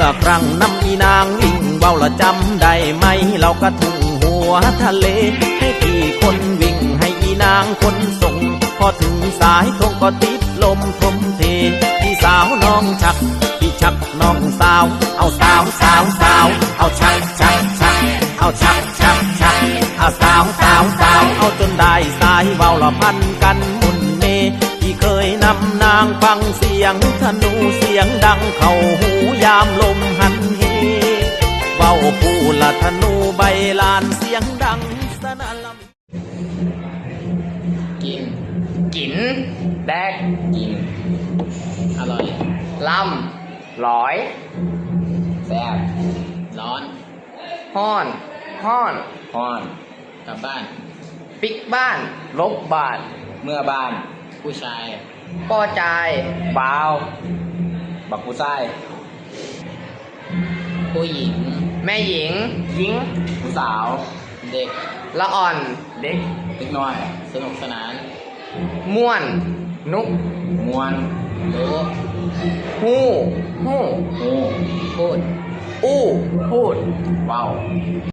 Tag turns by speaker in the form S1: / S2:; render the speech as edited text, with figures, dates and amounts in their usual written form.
S1: อครั้งน้ำอีนางวิ่งเว้าละจำได้ไหมเราก็ถึงหัวทะเลให้พี่คนวิ่งให้อีนางคนส่งพอถึงสายตรงก็ติดลมทมเทพี่สาวน้องชักพี่ชักน้องสาวเอาสาวสาวสาวเอาชักชักชักเอาชักชักชักเอาสาวสาวสาวเอาจนได้สายเว้าละพันกันมุนเมที่เคยนำนางฟังเสียงธนูเสียงดังเข้าหูยามลมหันเหเว้าผู้ละธนูใบลานเสียงดังสนั่นละ
S2: กิน
S3: กินแดก
S2: กินอร่อย
S3: ลำร้อย
S2: แซ่บร้อน
S3: ห้อนห้อน
S2: ฮ้อนกลับบ้าน
S3: ปิกบ้านลบบ้าน
S2: เมื่อบ้านผู้ชาย
S3: ป้อจายบ่าว
S2: บักผู้ชายผู้หญิง
S3: แม่หญิงหญิง
S2: ผู้สาวเด็ก
S3: ละอ่อน
S2: เด็กน้อยสนุกสนาน
S3: ม่วนนุก
S2: มวนรู้
S3: ฮู้ฮู้
S2: หูพูด
S3: อู้พูด
S2: เว้า